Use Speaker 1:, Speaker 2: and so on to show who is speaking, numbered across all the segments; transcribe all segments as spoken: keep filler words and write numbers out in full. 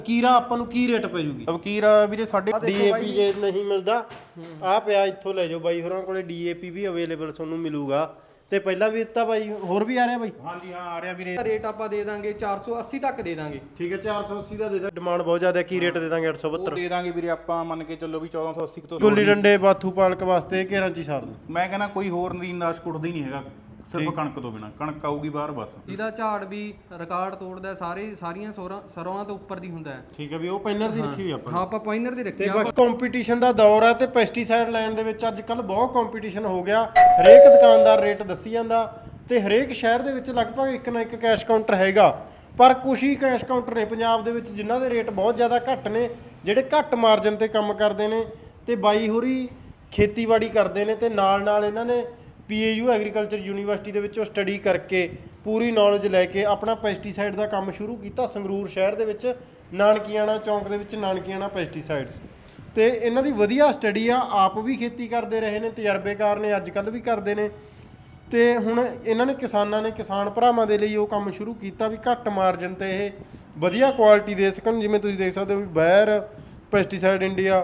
Speaker 1: ਅਕੀਰਾ ਆਪਾਂ ਨੂੰ ਕੀ ਰੇਟ ਪੈ ਜੂਗੀ?
Speaker 2: ਅਕੀਰਾ ਵੀਰੇ ਸਾਡੇ
Speaker 1: ਡੀਏਪੀ ਜੇ ਨਹੀਂ ਮਿਲਦਾ ਆ ਪਿਆ ਇੱਥੋਂ ਲੈ ਜਾਓ ਬਾਈ ਹੋਰਾਂ ਕੋਲੇ ਡੀਏਪੀ ਵੀ ਅਵੇਲੇਬਲ ਤੁਹਾਨੂੰ ਮਿਲੂਗਾ ਤੇ ਪਹਿਲਾਂ ਵੀ ਦਿੱਤਾ ਬਾਈ ਹੋਰ ਵੀ ਆ ਰਿਹਾ ਬਾਈ।
Speaker 2: ਹਾਂਜੀ ਹਾਂ ਆ ਰਿਹਾ ਵੀਰੇ।
Speaker 3: ਰੇਟ ਆਪਾਂ ਦੇ ਦਾਂਗੇ ਚਾਰ ਸੌ ਅੱਸੀ ਤੱਕ ਦੇ ਦਾਂਗੇ।
Speaker 1: ਠੀਕ ਹੈ ਚਾਰ ਸੌ ਅੱਸੀ ਦਾ ਦੇ ਦਾਂ। ਡਿਮਾਂਡ ਬਹੁਤ ਜ਼ਿਆਦਾ ਕੀ ਰੇਟ ਦੇ ਦਾਂਗੇ? ਅੱਠ ਸੌ
Speaker 2: ਉਹ
Speaker 1: ਬਹੱਤਰ
Speaker 2: ਦੇ ਦਾਂਗੇ ਵੀਰੇ ਆਪਾਂ ਮੰਨ ਕੇ ਚੱਲੋ ਵੀ ਚੌਦਾਂ ਸੌ ਅੱਸੀ ਤੋਂ
Speaker 1: ਗੁੱਲੀ ਡੰਡੇ ਬਾਥੂ ਪਾਲਕ ਵਾਸਤੇ ਘੇਰਾਂ ਚ ਹੀ ਸਾਰ ਦੂ।
Speaker 2: ਮੈਂ ਕਹਿੰਦਾ ਕੋਈ ਹੋਰ ਨਦੀਨਦਾਸ਼ ਕੁੱਟਦਾ ਹੀ ਨਹੀਂ ਹੈਗਾ ਸਿਰਫ ਕਣਕ ਤੋਂ ਬਿਨਾ। ਕਣਕ ਆਊਗੀ ਬਾਹਰ ਬਸ।
Speaker 3: ਇਹਦਾ ਝਾੜ ਵੀ ਰਿਕਾਰਡ ਤੋੜਦਾ, ਸਾਰੇ ਸਾਰੀਆਂ ਸੋਰਾਂ ਸਰੋਆਂ ਤੋਂ ਉੱਪਰ ਦੀ ਹੁੰਦਾ ਹੈ।
Speaker 1: ਠੀਕ ਹੈ ਵੀ ਉਹ ਪੈਨਰ ਦੀ ਰੱਖੀ ਹੋਈ ਆਪਾਂ
Speaker 3: ਹਾਂ ਆਪਾਂ ਪਾਇਨਰ ਦੀ ਰੱਖੀ
Speaker 1: ਤੇ
Speaker 3: ਆ।
Speaker 1: ਬਾਕੀ ਕੰਪੀਟੀਸ਼ਨ ਦਾ ਦੌਰ ਹੈ ਤੇ ਪੈਸਟੀਸਾਈਡ ਲੈਣ ਦੇ ਵਿੱਚ ਅੱਜ ਕੱਲ ਬਹੁਤ ਕੰਪੀਟੀਸ਼ਨ ਹੋ ਗਿਆ। ਹਰੇਕ ਦੁਕਾਨਦਾਰ ਰੇਟ ਦੱਸੀ ਜਾਂਦਾ ਤੇ ਹਰੇਕ ਸ਼ਹਿਰ ਦੇ ਵਿੱਚ ਲਗਭਗ ਇੱਕ ਨਾ ਇੱਕ ਕੈਸ਼ ਕਾਊਂਟਰ ਹੈਗਾ, ਪਰ ਕੁਛ ਹੀ ਕੈਸ਼ ਕਾਊਂਟਰ ਨੇ ਪੰਜਾਬ ਦੇ ਵਿੱਚ ਜਿਨ੍ਹਾਂ ਦੇ ਰੇਟ ਬਹੁਤ ਜ਼ਿਆਦਾ ਘੱਟ ਨੇ, ਜਿਹੜੇ ਘੱਟ ਮਾਰਜਨ ਤੇ ਕੰਮ ਕਰਦੇ ਨੇ। ਤੇ ਬਾਈ ਹੋਰੀ ਖੇਤੀਬਾੜੀ ਕਰਦੇ ਨੇ ਤੇ ਨਾਲ ਨਾਲ ਇਹਨਾਂ ਨੇ ਪੀਏਯੂ ਐਗਰੀਕਲਚਰ ਯੂਨੀਵਰਸਿਟੀ ਦੇ ਵਿੱਚੋਂ ਸਟੱਡੀ ਕਰਕੇ ਪੂਰੀ ਨੌਲੇਜ ਲੈ ਕੇ ਆਪਣਾ ਪੈਸਟੀਸਾਈਡ ਦਾ ਕੰਮ ਸ਼ੁਰੂ ਕੀਤਾ ਸੰਗਰੂਰ ਸ਼ਹਿਰ ਦੇ ਵਿੱਚ, ਨਾਨਕੀਆਣਾ ਚੌਂਕ ਦੇ ਵਿੱਚ ਨਾਨਕੀਆਣਾ ਪੈਸਟੀਸਾਈਡਸ। ਤੇ ਇਹਨਾਂ ਦੀ ਵਧੀਆ ਸਟੱਡੀ ਆ, ਆਪ ਵੀ ਖੇਤੀ ਕਰਦੇ ਰਹੇ ਨੇ, ਤਜਰਬੇਕਾਰ ਨੇ, ਅੱਜ ਕੱਲ੍ਹ ਵੀ ਕਰਦੇ ਨੇ। ਤੇ ਹੁਣ ਇਹਨਾਂ ਨੇ ਕਿਸਾਨਾਂ ਨੇ ਕਿਸਾਨ ਭਰਾਵਾਂ ਦੇ ਲਈ ਉਹ ਕੰਮ ਸ਼ੁਰੂ ਕੀਤਾ ਵੀ ਘੱਟ ਮਾਰਜਨ ਤੇ ਇਹ ਵਧੀਆ ਕੁਆਲਿਟੀ ਦੇ ਸਕਣ। ਜਿਵੇਂ ਤੁਸੀਂ ਦੇਖ ਸਕਦੇ ਹੋ ਵੀ ਬੈਰ ਪੈਸਟੀਸਾਈਡ ਇੰਡੀਆ,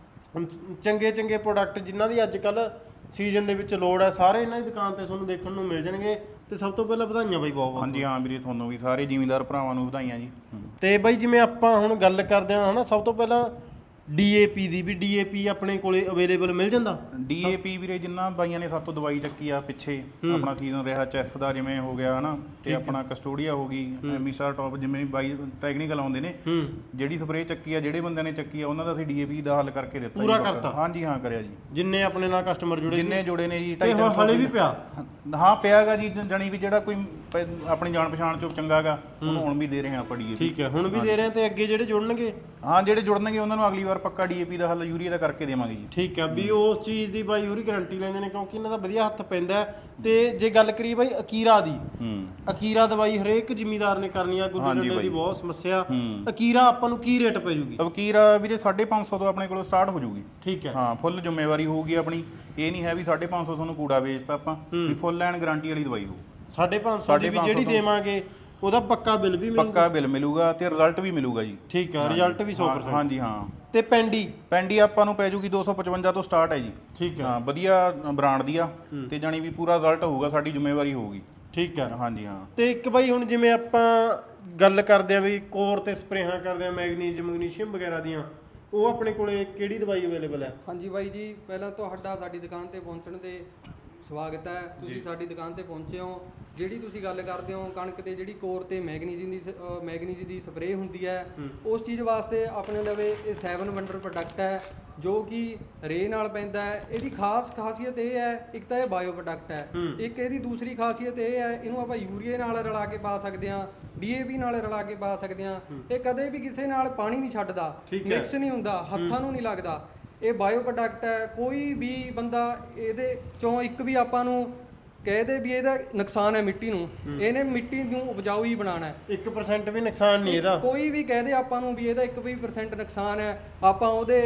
Speaker 1: ਚੰਗੇ ਚੰਗੇ ਪ੍ਰੋਡਕਟ ਜਿਨ੍ਹਾਂ ਦੀ ਅੱਜ ਕੱਲ੍ਹ ਸੀਜ਼ਨ ਦੇ ਵਿੱਚ ਲੋੜ ਹੈ, ਸਾਰੇ ਇਹਨਾਂ ਦੀ ਦੁਕਾਨ ਤੇ ਤੁਹਾਨੂੰ ਦੇਖਣ ਨੂੰ ਮਿਲ ਜਾਣਗੇ। ਤੇ ਸਭ ਤੋਂ ਪਹਿਲਾਂ ਵਧਾਈਆਂ ਬਾਈ ਬਹੁਤ ਬਹੁਤ।
Speaker 2: ਹਾਂਜੀ ਹਾਂ ਵੀਰੇ ਤੁਹਾਨੂੰ ਵੀ ਸਾਰੇ ਜ਼ਿਮੀਂਦਾਰ ਭਰਾਵਾਂ ਨੂੰ ਵਧਾਈਆਂ ਜੀ।
Speaker 1: ਤੇ ਬਾਈ ਜਿਵੇਂ ਆਪਾਂ ਹੁਣ ਗੱਲ ਕਰਦੇ ਹਾਂ ਹਨਾ, ਸਭ ਤੋਂ ਪਹਿਲਾਂ ਡੀਏਪੀ ਦੀ ਵੀ ਡੀਏਪੀ ਆਪਣੇ ਕੋਲੇ ਅਵੇਲੇਬਲ ਮਿਲ ਜਾਂਦਾ?
Speaker 2: ਡੀਏਪੀ ਵੀਰੇ ਜਿੰਨਾ ਬਾਈਆਂ ਨੇ ਸਾਤੋਂ ਦਵਾਈ ਚੱਕੀ ਆ ਪਿੱਛੇ ਆਪਣਾ ਸੀਜ਼ਨ ਰਿਹਾ ਚੈਸ ਦਾ ਜਿਵੇਂ ਹੋ ਗਿਆ ਹਨਾ, ਤੇ ਆਪਣਾ ਕਸਟੋਡੀਆ ਹੋ ਗਈ, ਐਮੀਸਾ ਟੌਪ, ਜਿਵੇਂ ਬਾਈ ਟੈਕਨੀਕਲ ਆਉਂਦੇ ਨੇ, ਜਿਹੜੀ ਸਪਰੇਅ ਚੱਕੀ ਆ ਜਿਹੜੇ ਬੰਦਿਆਂ ਨੇ ਚੱਕੀ ਆ ਉਹਨਾਂ ਦਾ ਅਸੀਂ ਡੀਏਪੀ ਦਾ ਹੱਲ ਕਰਕੇ ਦਿੱਤਾ।
Speaker 1: ਪੂਰਾ ਕਰਤਾ?
Speaker 2: ਹਾਂਜੀ ਹਾਂ ਕਰਿਆ ਜੀ।
Speaker 1: ਜਿੰਨੇ ਆਪਣੇ ਨਾਲ ਕਸਟਮਰ ਜੁੜੇ
Speaker 2: ਜਿੰਨੇ ਜੁੜੇ ਨੇ ਜੀ
Speaker 1: ਢਾਈ ਤਿੰਨ ਸੌ ਵੀ ਪਿਆ?
Speaker 2: ਹਾਂ ਪਿਆਗਾ ਜੀ, ਜਾਣੀ ਵੀ ਜਿਹੜਾ ਕੋਈ ਪ- ਆਪਣੀ ਜਾਣ ਪਛਾਣ ਚੋਂ ਚੰਗਾਗਾ ਉਹਨੂੰ ਹੁਣ ਵੀ ਦੇ ਰਹੇ ਆ ਆਪਾਂ ਡੀਏਪੀ।
Speaker 1: ਠੀਕ ਹੈ ਹੁਣ ਵੀ ਦੇ ਰਹੇ ਆ ਤੇ ਅੱਗੇ ਜਿਹੜੇ ਜੁੜਨਗੇ?
Speaker 2: ਹਾਂ ਜਿਹੜੇ ਜੁੜਨਗੇ ਉਹਨਾਂ ਨੂੰ ਅਗਲੀ ਵਾਰ ਪੱਕਾ ਡੀਏਪੀ ਦਾ ਹੱਲ ਯੂਰੀਆ ਦਾ ਕਰਕੇ ਦੇਵਾਂਗੇ ਜੀ।
Speaker 1: ਠੀਕ ਹੈ ਵੀ ਉਸ ਚੀਜ਼ ਦੀ ਬਾਈ ਹੋਰੀ ਗਾਰੰਟੀ ਲੈਂਦੇ ਨੇ ਕਿਉਂਕਿ ਇਹਨਾਂ ਦਾ ਵਧੀਆ ਹੱਥ ਪੈਂਦਾ। ਤੇ ਜੇ ਗੱਲ ਕਰੀਏ ਬਾਈ ਅਕੀਰਾ ਦੀ,
Speaker 2: ਹੂੰ
Speaker 1: ਅਕੀਰਾ ਦਵਾਈ ਹਰੇਕ ਜ਼ਿਮੀਦਾਰ ਨੇ ਕਰਨੀ ਆ, ਗੁੱਲੀ ਡੰਡੇ ਦੀ ਬਹੁਤ ਸਮੱਸਿਆ। ਅਕੀਰਾ ਆਪਾਂ ਨੂੰ ਕੀ ਰੇਟ ਪੈ ਜੂਗੀ?
Speaker 2: ਅਕੀਰਾ ਵੀਰੇ ਸਾਢੇ ਪੰਜ ਸੌ ਤੋਂ ਆਪਣੇ ਕੋਲੋਂ ਸਟਾਰਟ ਹੋ ਜੂਗੀ।
Speaker 1: ਠੀਕ ਹੈ
Speaker 2: ਹਾਂ ਫੁੱਲ ਜ਼ਿੰਮੇਵਾਰੀ ਹੋਊਗੀ ਆਪਣੀ, ਇਹ ਨਹੀਂ ਹੈ ਵੀ ਸਾਢੇ ਪੰਜ ਸੌ ਤੁਹਾਨੂੰ ਕੂੜਾ ਵੇਚਤਾ ਆਪਾਂ, ਵੀ ਫੁੱਲ ਐਂਡ ਗਾਰੰਟੀ ਵਾਲੀ ਦਵਾਈ ਹੋਊ।
Speaker 1: ਸਾਢੇ ਪੰਜ ਸੌ ਦੀ ਵੀ ਜਿਹੜੀ ਦੇਵਾਂਗੇ ਉਹਦਾ ਪੱਕਾ ਬਿੱਲ ਵੀ ਮਿਲੂਗਾ?
Speaker 2: ਪੱਕਾ ਬਿੱਲ ਮਿਲੂਗਾ ਤੇ ਰਿਜ਼ਲਟ ਵੀ ਮਿਲੂਗਾ ਜੀ।
Speaker 1: ਠੀਕ ਹੈ ਰਿਜ਼ਲਟ ਵੀ ਸੌ ਪਰਸੈਂਟ?
Speaker 2: ਹਾਂਜੀ ਹਾਂ।
Speaker 1: ਤੇ ਪੈਂਡੀ?
Speaker 2: ਪੈਂਡੀ ਆਪਾਂ ਨੂੰ ਪੈ ਜੂਗੀ ਦੋ ਸੌ ਪਚਵੰਜਾ ਤੋਂ ਸਟਾਰਟ ਹੈ ਜੀ।
Speaker 1: ਠੀਕ ਹੈ
Speaker 2: ਹਾਂ ਵਧੀਆ ਬ੍ਰਾਂਡ ਦੀ ਆ ਤੇ ਜਾਣੀ ਵੀ ਪੂਰਾ ਰਿਜ਼ਲਟ ਹੋਊਗਾ, ਸਾਡੀ ਜ਼ਿੰਮੇਵਾਰੀ ਹੋਊਗੀ।
Speaker 1: ਠੀਕ ਹੈ
Speaker 2: ਹਾਂਜੀ ਹਾਂ।
Speaker 1: ਤੇ ਇੱਕ ਬਾਈ ਹੁਣ ਜਿਵੇਂ ਆਪਾਂ ਗੱਲ ਕਰਦੇ ਆ ਵੀ ਕੋਰ ਤੇ ਸਪਰੇਹਾਂ ਕਰਦੇ ਆ ਮੈਗਨੀਜ਼ੀਅਮ ਮੈਗਨੀਸ਼ੀਅਮ ਵਗੈਰਾ ਦੀਆਂ, ਉਹ ਆਪਣੇ ਕੋਲੇ ਕਿਹੜੀ ਦਵਾਈ ਅਵੇਲੇਬਲ ਹੈ?
Speaker 3: ਹਾਂਜੀ ਬਾਈ ਜੀ, ਪਹਿਲਾਂ ਤੁਹਾਡਾ ਸਾਡੀ ਦੁਕਾਨ ਤੇ ਪਹੁੰਚਣ ਤੇ ਸਵਾਗਤ ਹੈ। ਤੁਸੀਂ ਸਾਡੀ ਦੁਕਾਨ ਤੇ ਪਹੁੰਚੇ ਹੋ। ਜਿਹੜੀ ਤੁਸੀਂ ਗੱਲ ਕਰਦੇ ਹੋ ਕਣਕ ਤੇ ਜਿਹੜੀ ਕੋਰ ਤੇ ਮੈਗਨੀਜ਼ੀਅਮ ਦੀ ਮੈਗਨੀਜ਼ ਦੀ ਸਪਰੇਅ ਹੁੰਦੀ ਹੈ, ਉਸ ਚੀਜ਼ ਵਾਸਤੇ ਆਪਣੇ ਲਵੇ ਇਹ ਸੈਵਨ ਵੰਡਰ ਪ੍ਰੋਡਕਟ ਹੈ ਜੋ ਕਿ ਰੇ ਨਾਲ ਪੈਂਦਾ ਹੈ। ਇਹਦੀ ਖਾਸ ਖਾਸੀਅਤ ਇਹ ਹੈ, ਇੱਕ ਤਾਂ ਇਹ ਬਾਇਓ ਪ੍ਰੋਡਕਟ ਹੈ, ਇੱਕ ਇਹਦੀ ਦੂਸਰੀ ਖਾਸੀਅਤ ਇਹ ਹੈ ਇਹਨੂੰ ਆਪਾਂ ਯੂਰੀਆ ਨਾਲ ਰਲਾ ਕੇ ਪਾ ਸਕਦੇ ਹਾਂ, ਡੀਏਪੀ ਨਾਲ ਰਲਾ ਕੇ ਪਾ ਸਕਦੇ ਹਾਂ। ਇਹ ਕਦੇ ਵੀ ਕਿਸੇ ਨਾਲ ਪਾਣੀ ਨਹੀਂ ਛੱਡਦਾ, ਮਿਕਸ ਨਹੀਂ ਹੁੰਦਾ, ਹੱਥਾਂ ਨੂੰ ਨਹੀਂ ਲੱਗਦਾ। ਇਹ ਬਾਇਓ ਪ੍ਰੋਡਕਟ ਹੈ। ਕੋਈ ਵੀ ਬੰਦਾ ਇਹਦੇ ਚੋਂ ਇੱਕ ਵੀ ਆਪਾਂ ਨੂੰ ਕਹਿ ਦੇ ਵੀ ਇਹਦਾ ਨੁਕਸਾਨ ਹੈ ਮਿੱਟੀ ਨੂੰ, ਇਹਨੇ ਮਿੱਟੀ ਨੂੰ ਉਪਜਾਊ ਹੀ ਬਣਾਉਣਾ ਹੈ।
Speaker 1: ਇੱਕ ਪਰਸੈਂਟ ਵੀ ਨੁਕਸਾਨ ਨਹੀਂ ਇਹਦਾ? ਕੋਈ
Speaker 3: ਵੀ ਕਹਿ ਦੇ ਆਪਾਂ ਨੂੰ ਵੀ ਇਹਦਾ ਇੱਕ ਵੀ ਪਰਸੈਂਟ ਨੁਕਸਾਨ ਹੈ, ਆਪਾਂ ਉਹਦੇ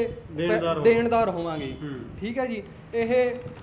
Speaker 3: ਦੇਣਦਾਰ ਹੋਵਾਂਗੇ। ਠੀਕ ਹੈ ਜੀ। ਇਹ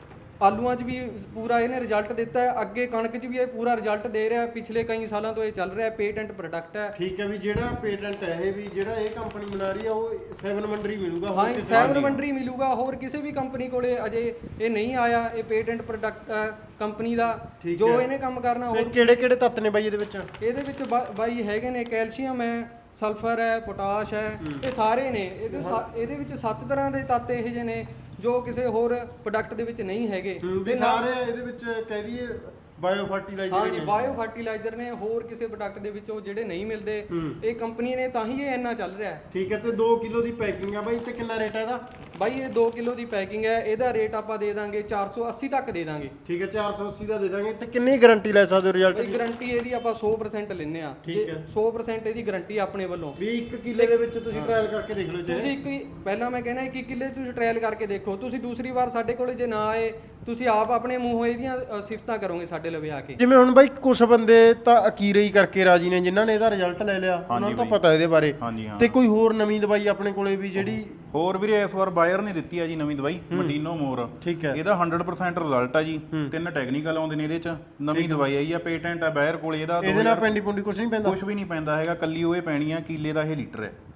Speaker 3: ਆਲੂਆਂ 'ਚ ਵੀ ਪੂਰਾ ਇਹਨੇ ਰਿਜ਼ਲਟ ਦਿੱਤਾ ਹੈ, ਅੱਗੇ ਕਣਕ 'ਚ ਵੀ ਇਹ ਪੂਰਾ ਰਿਜ਼ਲਟ ਦੇ ਰਿਹਾ, ਪਿਛਲੇ ਕਈ ਸਾਲਾਂ ਤੋਂ ਇਹ ਚੱਲ ਰਿਹਾ, ਪੇਟੈਂਟ ਪ੍ਰੋਡਕਟ ਹੈ।
Speaker 1: ਠੀਕ ਹੈ ਵੀ ਜਿਹੜਾ ਪੇਟੈਂਟ ਹੈ ਇਹ ਵੀ ਜਿਹੜਾ ਇਹ ਕੰਪਨੀ ਬਣਾ ਰਹੀ ਆ ਉਹ ਸੈਵਨ ਵੰਡਰ ਹੀ ਮਿਲੂਗਾ?
Speaker 3: ਹਾਂ ਸੈਵਨ ਵੰਡਰ ਹੀ ਮਿਲੂਗਾ, ਹੋਰ ਕਿਸੇ ਵੀ ਕੰਪਨੀ ਕੋਲੇ ਅਜੇ ਇਹ ਨਹੀਂ ਆਇਆ। ਇਹ ਪੇਟੈਂਟ ਪ੍ਰੋਡਕਟ ਕੰਪਨੀ ਦਾ ਜੋ ਇਹਨੇ ਕੰਮ ਕਰਨਾ। ਹੋਰ
Speaker 1: ਕਿਹੜੇ ਕਿਹੜੇ ਤੱਤ ਨੇ ਬਾਈ ਇਹਦੇ ਵਿੱਚ?
Speaker 3: ਇਹਦੇ ਵਿੱਚ ਬਾਈ ਹੈਗੇ ਨੇ ਕੈਲਸ਼ੀਅਮ ਹੈ, ਸਲਫਰ ਹੈ, ਪੋਟਾਸ਼ ਹੈ, ਇਹ ਸਾਰੇ ਨੇ। ਇਹਦੇ ਇਹਦੇ ਵਿੱਚ ਸੱਤ ਤਰ੍ਹਾਂ ਦੇ ਤੱਤ ਇਹੋ ਜਿਹੇ ਨੇ ਜੋ ਕਿਸੇ ਹੋਰ ਪ੍ਰੋਡਕਟ ਦੇ ਵਿੱਚ ਨਹੀਂ ਹੈਗੇ।
Speaker 1: ਤੇ ਸਾਰੇ ਇਹਦੇ ਵਿੱਚ ਕਹਿ ਦਈਏ ਬਾਇਓ ਫਰਟੀਲਾਈਜ਼ਰ?
Speaker 3: ਹਾਂਜੀ ਬਾਇਓ ਫਰਟੀਲਾਈਜ਼ਰ ਨੇ, ਹੋਰ ਕਿਸੇ ਪ੍ਰੋਡਕਟ ਦੇ ਵਿੱਚੋਂ ਜਿਹੜੇ ਨਹੀਂ ਮਿਲਦੇ। ਇਹ ਕੰਪਨੀ ਨੇ ਤਾਂ ਹੀ ਇਹ ਇੰਨਾ ਚੱਲ ਰਿਹਾ ਹੈ।
Speaker 1: ਠੀਕ ਹੈ। ਤੇ ਦੋ ਕਿਲੋ ਦੀ ਪੈਕਿੰਗ ਆ ਬਾਈ, ਤੇ ਕਿੰਨਾ ਰੇਟ ਹੈ ਇਹਦਾ?
Speaker 3: ਬਾਈ ਇਹ ਦੋ ਕਿਲੋ ਦੀ ਪੈਕਿੰਗ ਹੈ, ਇਹਦਾ ਰੇਟ ਆਪਾਂ ਦੇ ਦਾਂਗੇ ਚਾਰ ਸੌ ਅੱਸੀ ਤੱਕ ਦੇ ਦਾਂਗੇ।
Speaker 1: ਠੀਕ ਹੈ ਚਾਰ ਸੌ ਅੱਸੀ ਦਾ ਦੇ ਦਾਂਗੇ। ਤੇ ਕਿੰਨੀ ਗਾਰੰਟੀ ਲੈ ਸਕਦੇ ਹੋ ਰਿਜ਼ਲਟ ਦੀ?
Speaker 3: ਗਾਰੰਟੀ ਇਹਦੀ ਆਪਾਂ ਸੌ ਪਰਸੈਂਟ ਲੈਂਦੇ ਆ।
Speaker 1: ਠੀਕ ਹੈ
Speaker 3: ਸੌ ਪਰਸੈਂਟ ਇਹਦੀ ਗਾਰੰਟੀ ਆਪਣੇ ਵੱਲੋਂ।
Speaker 1: ਵੀ ਇੱਕ ਕਿੱਲੇ ਦੇ ਵਿੱਚ ਤੁਸੀਂ ਟ੍ਰਾਇਲ ਕਰਕੇ ਦੇਖ ਲਓ।
Speaker 3: ਤੁਸੀਂ ਇੱਕ ਪਹਿਲਾਂ ਮੈਂ ਕਹਿੰਦਾ ਇੱਕ ਕਿੱਲੇ ਤੁਸੀਂ ਟ੍ਰਾਇਲ ਕਰਕੇ ਦੇਖੋ, ਤੁਸੀਂ ਦੂਸਰੀ ਵਾਰ ਸਾਡੇ ਕੋਲ ਜੇ ਨਾ ਆਏ ਤੁਸੀਂ ਆਪ ਆਪਣੇ ਮੂੰਹੋਂ ਇਹਦੀਆਂ ਸਿਫਤਾਂ ਕਰੋਗੇ ਸਾਡੇ ਲਵੇ ਆ ਕੇ।
Speaker 1: ਜਿਵੇਂ ਹੁਣ ਬਾਈ ਕੁਝ ਬੰਦੇ ਤਾਂ ਅਕੀਰੇ ਹੀ ਕਰਕੇ ਰਾਜੀ ਨੇ ਜਿਨ੍ਹਾਂ ਨੇ ਇਹਦਾ ਰਿਜ਼ਲਟ ਲੈ ਲਿਆ, ਉਹਨਾਂ ਨੂੰ ਤਾਂ ਪਤਾ ਇਹਦੇ ਬਾਰੇ। ਤੇ ਕੋਈ ਹੋਰ ਨਵੀਂ ਦਵਾਈ ਆਪਣੇ ਕੋਲੇ ਵੀ ਜਿਹੜੀ
Speaker 2: ਹੋਰ ਵੀਰੇ ਇਸ ਵਾਰ ਬਾਇਰ ਨੇ ਦਿੱਤੀ ਆ ਜੀ ਨਵੀਂ ਦਵਾਈ ਮਡੀਨੋ ਮੋਰ?
Speaker 1: ਠੀਕ ਹੈ।
Speaker 2: ਇਹਦਾ ਹੰਡਰਡ ਪਰਸੈਂਟ ਰਿਜ਼ਲਟ ਆ ਜੀ, ਤਿੰਨ ਟੈਕਨੀਕਲ ਆਉਂਦੇ ਨੇ ਇਹਦੇ ਚ। ਨਵੀਂ ਦਵਾਈ ਆਈ ਆ, ਪੇਟੈਂਟ ਆ ਬਾਇਰ ਕੋਲੇ ਇਹਦਾ।
Speaker 1: ਇਹਦੇ ਨਾਲ ਪੈਂਡੀ ਪੁੰਡੀ ਕੁਝ ਨਹੀਂ ਪੈਂਦਾ?
Speaker 2: ਕੁਝ ਵੀ ਨਹੀਂ ਪੈਂਦਾ ਹੈਗਾ, ਕੱਲੀ ਉਹ ਇਹ ਪੈਣੀ ਆ, ਕਿੱਲੇ ਦਾ ਇਹ ਲੀਟਰ ਹੈ।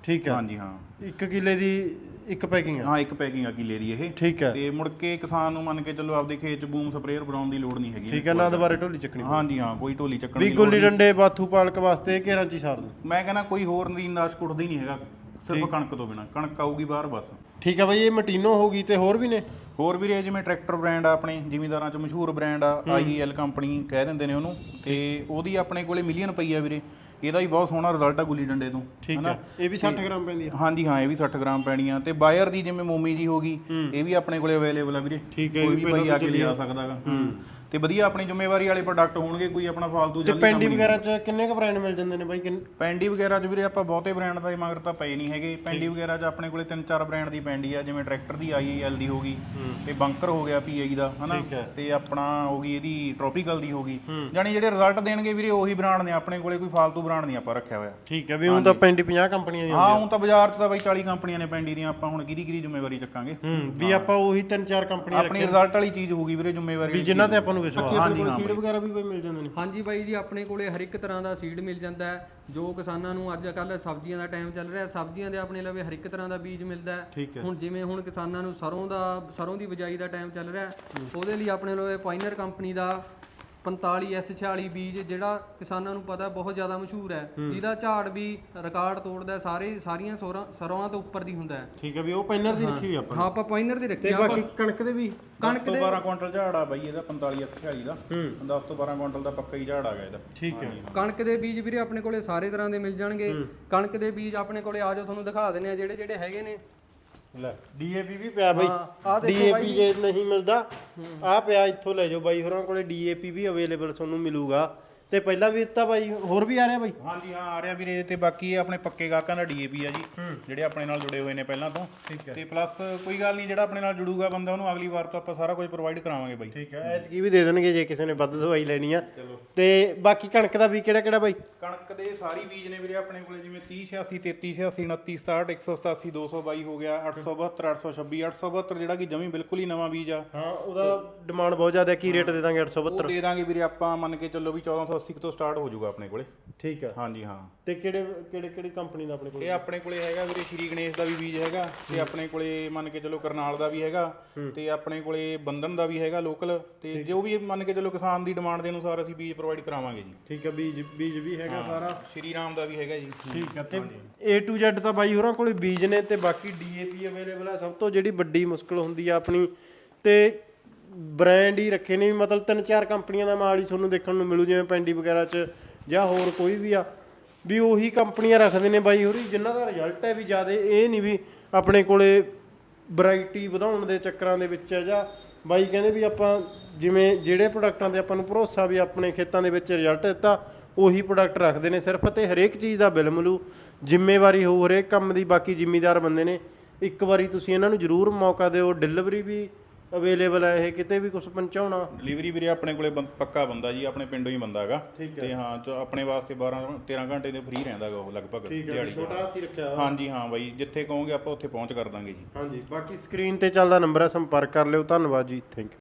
Speaker 1: ਠੀਕ ਹੈ
Speaker 2: ਹਾਂਜੀ ਹਾਂ
Speaker 1: ਇੱਕ ਕਿੱਲੇ ਦੀ ਇੱਕ ਪੈਕਿੰਗ ਆ
Speaker 2: ਹਾਂ ਇੱਕ ਪੈਕਿੰਗ ਆ ਕਿੱਲੇ ਦੀ ਇਹ
Speaker 1: ਠੀਕ ਹੈ
Speaker 2: ਤੇ ਮੁੜ ਕੇ ਕਿਸਾਨ ਨੂੰ ਮੰਨ ਕੇ ਚੱਲੋ ਆਪਦੇ ਖੇਤ 'ਚ ਬੂਮ ਸਪਰੇਅਰ ਬਣਾਉਣ ਦੀ ਲੋੜ ਨਹੀਂ ਹੈਗੀ
Speaker 1: ਠੀਕ ਹੈ ਨਾ ਦੁਬਾਰੇ ਢੋਲੀ ਚੱਕਣੀ
Speaker 2: ਹਾਂਜੀ ਹਾਂ ਕੋਈ ਢੋਲੀ ਚੱਕਣ
Speaker 1: ਵੀ
Speaker 2: ਦੀ ਲੋੜ
Speaker 1: ਗੁੱਲੀ
Speaker 2: ਨਹੀਂ।
Speaker 1: ਡੰਡੇ ਬਾਥੂ ਪਾਲਕ ਵਾਸਤੇ ਘੇਰਾਂ ਚ ਹੀ ਸਾਰ ਦੋ
Speaker 2: ਮੈਂ ਕਹਿੰਦਾ ਕੋਈ ਹੋਰ ਨਦੀਨਦਾਸ਼ ਕੁੱਟਦਾ ਹੀ ਨਹੀਂ ਹੈਗਾ ਸਿਰਫ ਕਣਕ ਤੋਂ ਬਿਨਾ ਕਣਕ ਆਊਗੀ ਬਾਹਰ ਬਸ
Speaker 1: ਠੀਕ ਹੈ ਬਾਈ ਇਹ ਮਟੀਨੋ ਹੋ ਗਈ ਤੇ ਹੋਰ ਵੀ ਨੇ
Speaker 2: ਹੋਰ ਵੀਰੇ ਜਿਵੇਂ ਟਰੈਕਟਰ ਬ੍ਰਾਂਡ ਆ ਆਪਣੇ ਜ਼ਿਮੀਂਦਾਰਾਂ 'ਚ ਮਸ਼ਹੂਰ ਬ੍ਰਾਂਡ ਆ ਆਈ ਐਲ ਕੰਪਨੀ ਕਹਿ ਦਿੰਦੇ ਨੇ ਉਹਨੂੰ ਤੇ ਉਹਦੀ ਆਪਣੇ ਕੋਲੇ ਮਿਲੀਅਨ ਪਈ ਆ ਵੀਰੇ ਇਹਦਾ ਵੀ ਬਹੁਤ ਸੋਹਣਾ ਰਿਜ਼ਲਟ ਆ ਗੁੱਲੀ ਡੰਡੇ ਤੋਂ
Speaker 1: ਠੀਕ ਹੈ ਇਹ ਵੀ ਸੱਠ ਗ੍ਰਾਮ ਪੈਂਦੀ ਆ
Speaker 2: ਹਾਂਜੀ ਹਾਂ ਇਹ ਵੀ ਸੱਠ ਗ੍ਰਾਮ ਪੈਣੀਆਂ ਤੇ ਬਾਇਰ ਦੀ ਜਿਵੇਂ ਮੋਮੀ ਜੀ ਹੋ ਗਈ ਇਹ ਵੀ ਆਪਣੇ ਕੋਲੇ ਅਵੇਲੇਬਲ ਆ ਵੀਰੇ
Speaker 1: ਠੀਕ ਹੈ
Speaker 2: ਕੋਈ ਵੀ ਭਾਈ ਆ ਕੇ ਲਿਆ ਸਕਦਾਗਾ ਤੇ ਵਧੀਆ ਆਪਣੀ ਜ਼ਿੰਮੇਵਾਰੀ ਵਾਲੇ ਪ੍ਰੋਡਕਟ ਹੋਣਗੇ ਕੋਈ ਆਪਣਾ ਫਾਲਤੂ
Speaker 1: ਤੇ
Speaker 2: ਜਲਦੀ
Speaker 1: ਪੈਂਡੀ ਵਗੈਰਾ ਚ ਕਿੰਨੇ ਕ ਬ੍ਰਾਂਡ ਮਿਲ ਜਾਂਦੇ ਨੇ ਬਾਈ ਕਿੰਨੇ
Speaker 2: ਪੈਂਡੀ ਵਗੈਰਾ 'ਚ ਵੀਰੇ ਆਪਾਂ ਬਹੁਤੇ ਬ੍ਰਾਂਡ ਦਾ ਮਗਰ ਤਾਂ ਪਏ ਨਹੀਂ ਹੈਗੇ ਪੈਂਡੀ ਵਗੈਰਾ 'ਚ ਆਪਣੇ ਕੋਲੇ ਤਿੰਨ ਚਾਰ ਬ੍ਰਾਂਡ ਦੀ ਪੈਂਡੀ ਆ ਜਿਵੇਂ ਟਰੈਕਟਰ ਦੀ ਆਈ ਐਲ ਦੀ ਹੋ ਗਈ ਤੇ ਬੰਕਰ ਹੋ ਗਿਆ ਪੀਆਈ ਦਾ ਹਨਾ ਤੇ ਆਪਣਾ ਹੋ ਗਈ ਇਹਦੀ ਟ੍ਰੋਪੀਕਲ ਦੀ ਹੋ ਗਈ ਯਾਨੀ ਜਿਹੜੇ ਰਿਜ਼ਲਟ ਦੇਣਗੇ ਵੀਰੇ ਉਹੀ ਬ੍ਰਾਂਡ ਨੇ ਆਪਣੇ ਕੋਲੇ ਕੋਈ ਫਾਲਤੂ ਬ੍ਰਾਂਡ ਨਹੀਂ ਆਪਾਂ ਰੱਖਿਆ ਹੋਇਆ
Speaker 1: ਠੀਕ ਹੈ ਵੀ ਹੁਣ ਤਾਂ ਪੈਂਡੀ ਪੰਜਾਹ ਕੰਪਨੀਆਂ ਦੀਆਂ
Speaker 2: ਹਾਂ ਹੁਣ ਤਾਂ ਬਾਜ਼ਾਰ 'ਚ ਤਾਂ ਬਾਈ ਚਾਲੀ ਕੰਪਨੀਆਂ ਨੇ ਪੈਂਡੀ ਦੀਆਂ ਆਪਾਂ ਹੁਣ ਕਿਹਦੀ ਕਿਹਦੀ ਜ਼ਿੰਮੇਵਾਰੀ ਚੱਕਾਂਗੇ
Speaker 1: ਹੂੰ ਵੀ ਆਪਾਂ ਉਹੀ ਤਿੰਨ ਚਾਰ ਕੰਪਨੀਆਂ
Speaker 2: ਆਪਣੀ ਰਿਜ਼ਲਟ ਵਾਲੀ ਚੀਜ਼ ਹੋਊਗੀ ਵੀਰੇ ਜ਼ਿੰਮੇਵਾਰੀ
Speaker 1: ਵੀ ਜਿਨ੍ਹਾਂ ਤੇ ਆਪਾਂ ਨੂੰ ਵਿਸ਼ਵਾਸ
Speaker 2: ਹਾਂਜੀ ਹਾਂ
Speaker 1: ਸੀਡ ਵਗੈਰਾ ਵੀ ਬਈ ਮਿਲ ਜਾਂਦੇ ਨੇ
Speaker 3: ਹਾਂਜੀ ਬਾਈ ਜੀ ਆਪਣੇ ਕੋਲੇ ਹਰ ਇੱਕ ਤਰ੍ਹਾਂ ਦਾ ਸੀਡ ਮਿਲ ਜਾਂਦਾ ਹੈ ਜੋ ਕਿਸਾਨਾਂ ਨੂੰ ਅੱਜ ਕੱਲ ਸਬਜ਼ੀਆਂ ਦਾ ਟਾਈਮ ਚੱਲ ਰਿਹਾ ਸਬਜ਼ੀਆਂ ਦੇ ਆਪਣੇ ਲਵੇ ਹਰ ਇੱਕ ਤਰ੍ਹਾਂ ਦਾ ਬੀਜ ਮਿਲਦਾ ਹੈ ਹੁਣ ਜਿਵੇਂ ਹੁਣ ਕਿਸਾਨਾਂ ਨੂੰ ਸਰੋਂ ਦਾ ਸਰੋਂ ਦੀ ਬਿਜਾਈ ਦਾ ਟਾਈਮ ਚੱਲ ਰਿਹਾ ਉਹਦੇ ਲਈ ਆਪਣੇ ਲਵੇ ਪਾਇਨਰ ਕੰਪਨੀ ਦਾ ਪੰਤਾਲੀ ਐਸ ਛਿਆਲੀ ਬੀਜ ਜਿਹੜਾ ਕਿਸਾਨਾਂ ਨੂੰ ਪਤਾ ਬਹੁਤ ਜ਼ਿਆਦਾ ਮਸ਼ਹੂਰ ਹੈ ਜਿਹਦਾ ਝਾੜ ਵੀ ਰਿਕਾਰਡ ਤੋੜਦਾ ਸਾਰੇ ਸਾਰੀਆਂ ਸਰੋਆਂ ਤੋਂ ਉੱਪਰ ਦੀ ਹੁੰਦਾ ਹੈ
Speaker 1: ਠੀਕ ਹੈ ਵੀ ਉਹ ਪੈਨਰ ਦੀ ਰੱਖੀ ਹੋਈ ਆਪਾਂ
Speaker 3: ਹਾਂ ਆਪਾਂ ਪਾਇਨਰ ਦੀ ਰੱਖੀ
Speaker 1: ਤੇ ਬਾਕੀ ਕਣਕ ਦੇ ਵੀ
Speaker 2: ਕਣਕ ਦੇ ਬਾਰਾਂ ਕੁਇੰਟਲ ਝਾੜ ਆ ਬਾਈ ਇਹਦਾ ਪੰਤਾਲੀ ਐਸ ਛਿਆਲੀ ਦਾ ਦਸ ਤੋਂ ਬਾਰਾਂ ਕੁਇੰਟਲ ਦਾ ਪੱਕਾ ਹੀ ਝਾੜ ਆ ਗਿਆ ਇਹਦਾ
Speaker 1: ਠੀਕ ਹੈ
Speaker 3: ਕਣਕ ਦੇ ਬੀਜ ਵੀਰੇ ਆਪਣੇ ਕੋਲੇ ਸਾਰੇ ਤਰ੍ਹਾਂ ਦੇ ਮਿਲ ਜਾਣਗੇ ਕਣਕ ਦੇ ਬੀਜ ਆਪਣੇ ਕੋਲੇ ਆ ਜਾਓ ਤੁਹਾਨੂੰ ਦਿਖਾ ਦਿੰਦੇ ਆ ਜਿਹੜੇ ਜਿਹੜੇ ਹੈਗੇ ਨੇ
Speaker 1: ਲੈ ਡੀਏਪੀ ਵੀ ਪਿਆ ਬਾਈ
Speaker 3: ਆ ਦੇਖੋ
Speaker 1: ਡੀਏਪੀ ਜੇ ਨਹੀਂ ਮਿਲਦਾ ਆ ਪਿਆ ਇੱਥੋਂ ਲੈ ਜਾਓ ਬਾਈ ਹੋਰਾਂ ਕੋਲੇ ਡੀਏਪੀ ਵੀ ਅਵੇਲੇਬਲ ਤੁਹਾਨੂੰ ਮਿਲੂਗਾ ਤੇ ਪਹਿਲਾਂ ਵੀ ਦਿੱਤਾ ਬਾਈ ਹੋਰ ਵੀ ਆ ਰਿਹਾ ਬਾਈ
Speaker 2: ਹਾਂਜੀ ਹਾਂ ਆ ਰਿਹਾ ਵੀਰੇ ਤੇ ਬਾਕੀ ਇਹ ਆਪਣੇ ਪੱਕੇ ਗਾਹਕਾਂ ਦਾ ਡੀਏਪੀ ਆ ਜੀ ਜਿਹੜੇ ਆਪਣੇ ਨਾਲ ਜੁੜੇ ਹੋਏ ਨੇ ਪਹਿਲਾਂ ਤੋਂ ਤੇ ਪਲੱਸ ਕੋਈ ਗੱਲ ਨਹੀਂ ਜਿਹੜਾ ਆਪਣੇ ਨਾਲ ਜੁੜੂਗਾ ਬੰਦਾ ਉਹਨੂੰ ਅਗਲੀ ਵਾਰ ਤੋਂ ਆਪਾਂ ਸਾਰਾ ਕੁਝ ਪ੍ਰੋਵਾਈਡ ਕਰਾਵਾਂਗੇ ਬਾਈ ਠੀਕ
Speaker 1: ਹੈ ਐਤਕੀ ਵੀ ਦੇ ਦੇਣਗੇ ਜੇ ਕਿਸੇ ਨੇ ਵੱਧ ਦਵਾਈ ਲੈਣੀ ਆ ਤੇ ਬਾਕੀ ਕਣਕ ਦਾ ਵੀ ਕਿਹੜਾ ਕਿਹੜਾ ਬਾਈ
Speaker 2: ਕਣਕ ਦੇ ਸਾਰੀ ਬੀਜ ਨੇ ਵੀਰੇ ਆਪਣੇ ਕੋਲੇ ਜਿਵੇਂ ਤੀਹ ਛਿਆਸੀ ਤੇਤੀ ਛਿਆਸੀ ਉਨੱਤੀ ਸਤਾਹਠ ਇੱਕ ਸੌ ਸਤਾਸੀ ਦੋ ਸੌ ਬਾਈ ਹੋ ਗਿਆ ਅੱਠ ਸੌ ਬਹੱਤਰ ਅੱਠ ਸੌ ਛੱਬੀ ਅੱਠ ਸੌ ਬਹੱਤਰ ਜਿਹੜਾ ਕਿ ਜਮੀ ਬਿਲਕੁਲ ਹੀ ਨਵਾਂ ਬੀਜ ਆ
Speaker 1: ਹਾਂ ਉਹਦਾ ਡਿਮਾਂਡ ਬਹੁਤ ਜ਼ਿਆਦਾ ਕੀ ਰੇਟ ਦੇ ਦਾਂਗੇ ਅੱਠ ਸੌ ਬਹੱਤਰ
Speaker 2: ਦੇ ਦਾਂਗੇ ਵੀਰੇ ਆਪਾਂ ਮੰਨ ਕੇ ਚੱਲੋ ਵੀ ਚੌਦਾਂ ਸੌ ਅੱਸੀ ਤੋਂ ਸਟਾਰਟ ਹੋ ਜਾਊਗਾ ਆਪਣੇ ਕੋਲੇ
Speaker 1: ਠੀਕ ਹੈ
Speaker 2: ਹਾਂਜੀ ਹਾਂ
Speaker 1: ਤੇ ਕਿਹੜੇ ਕਿਹੜੇ ਕਿਹੜੀ ਕੰਪਨੀ ਦਾ ਆਪਣੇ ਕੋਲ
Speaker 2: ਇਹ ਆਪਣੇ ਕੋਲੇ ਹੈਗਾ ਵੀਰੇ ਸ਼੍ਰੀ ਗਣੇਸ਼ ਦਾ ਵੀ ਬੀਜ ਹੈਗਾ ਤੇ ਆਪਣੇ ਕੋਲੇ ਮੰਨ ਕੇ ਚੱਲੋ ਕਰਨਾਲ ਦਾ ਵੀ ਹੈਗਾ ਤੇ ਆਪਣੇ ਕੋਲੇ ਬੰਧਨ ਦਾ ਵੀ ਹੈਗਾ ਲੋਕਲ ਤੇ ਜੋ ਵੀ ਮੰਨ ਕੇ ਚੱਲੋ ਕਿਸਾਨ ਦੀ ਡਿਮਾਂਡ ਦੇ ਅਨੁਸਾਰ ਅਸੀਂ ਬੀਜ ਪ੍ਰੋਵਾਈਡ ਕਰਾਵਾਂਗੇ ਜੀ
Speaker 1: ਠੀਕ ਹੈ ਬੀਜ ਬੀਜ ਵੀ ਹੈਗਾ ਸਾਰਾ
Speaker 2: ਸ਼੍ਰੀ ਰਾਮ ਦਾ ਵੀ ਹੈਗਾ ਜੀ
Speaker 1: ਠੀਕ ਹੈ ਤੇ A to Z ਤਾਂ ਬਾਈ ਹੋਰਾਂ ਕੋਲੇ ਬੀਜ ਨੇ ਤੇ ਬਾਕੀ ਡੀਏਪੀ ਅਵੇਲੇਬਲ ਆ ਸਭ ਤੋਂ ਜਿਹੜੀ ਵੱਡੀ ਮੁਸ਼ਕਲ ਹੁੰਦੀ ਆ ਆਪਣੀ ਤੇ ਬ੍ਰਾਂਡ ਹੀ ਰੱਖੇ ਨੇ ਮਤਲਬ ਤਿੰਨ ਚਾਰ ਕੰਪਨੀਆਂ ਦਾ ਮਾਲ ਹੀ ਤੁਹਾਨੂੰ ਦੇਖਣ ਨੂੰ ਮਿਲੂ ਜਿਵੇਂ ਪੈਂਡੀ ਵਗੈਰਾ 'ਚ ਜਾਂ ਹੋਰ ਕੋਈ ਵੀ ਆ ਵੀ ਉਹੀ ਕੰਪਨੀਆਂ ਰੱਖਦੇ ਨੇ ਬਾਈ ਹੋਰੀ ਜਿਨ੍ਹਾਂ ਦਾ ਰਿਜ਼ਲਟ ਹੈ ਵੀ ਜ਼ਿਆਦਾ ਇਹ ਨਹੀਂ ਵੀ ਆਪਣੇ ਕੋਲੇ ਵੈਰਾਈਟੀ ਵਧਾਉਣ ਦੇ ਚੱਕਰਾਂ ਦੇ ਵਿੱਚ ਹੈ ਜਾਂ ਬਾਈ ਕਹਿੰਦੇ ਵੀ ਆਪਾਂ ਜਿਵੇਂ ਜਿਹੜੇ ਪ੍ਰੋਡਕਟਾਂ ਤੇ ਆਪਾਂ ਨੂੰ ਭਰੋਸਾ ਵੀ ਆਪਣੇ ਖੇਤਾਂ ਦੇ ਵਿੱਚ ਰਿਜ਼ਲਟ ਦਿੱਤਾ ਉਹੀ ਪ੍ਰੋਡਕਟ ਰੱਖਦੇ ਨੇ ਸਿਰਫ ਤੇ ਹਰੇਕ ਚੀਜ਼ ਦਾ ਬਿੱਲ ਮਿਲੂ ਜ਼ਿੰਮੇਵਾਰੀ ਹੋਊ ਹਰੇਕ ਕੰਮ ਦੀ ਬਾਕੀ ਜ਼ਿਮੀਦਾਰ ਬੰਦੇ ਨੇ ਇੱਕ ਵਾਰੀ ਤੁਸੀਂ ਇਹਨਾਂ ਨੂੰ ਜ਼ਰੂਰ ਮੌਕਾ ਦਿਓ ਡਿਲੀਵਰੀ ਵੀ ਅਵੇਲੇਬਲ ਹੈ ਇਹ ਕਿਤੇ ਵੀ ਕੁਝ ਪਹੁੰਚਾਉਣਾ
Speaker 2: ਡਿਲੀਵਰੀ ਵੀਰੇ ਆਪਣੇ ਕੋਲੇ ਪੱਕਾ ਬੰਦਾ ਜੀ ਆਪਣੇ ਪਿੰਡੋਂ ਹੀ ਬੰਦਾ ਹੈਗਾ ਤੇ ਹਾਂ ਆਪਣੇ ਵਾਸਤੇ ਬਾਰਾਂ ਤੇਰਾਂ ਘੰਟੇ ਦੇ ਫ੍ਰੀ ਰਹਿੰਦਾ ਗਾ ਉਹ ਲਗਭਗ ਦਿਹਾੜੀ
Speaker 1: ਛੋਟਾ ਹਾਥੀ ਰੱਖਿਆ
Speaker 2: ਹਾਂਜੀ ਹਾਂ ਬਾਈ ਜਿੱਥੇ ਕਹੋਗੇ ਆਪਾਂ ਉੱਥੇ ਪਹੁੰਚ ਕਰ ਦਾਂਗੇ ਜੀ
Speaker 1: ਹਾਂਜੀ ਬਾਕੀ ਸਕਰੀਨ ਤੇ ਚੱਲਦਾ ਨੰਬਰ ਹੈ ਸੰਪਰਕ ਕਰ ਲਿਓ ਧੰਨਵਾਦ ਜੀ ਥੈਂਕ ਯੂ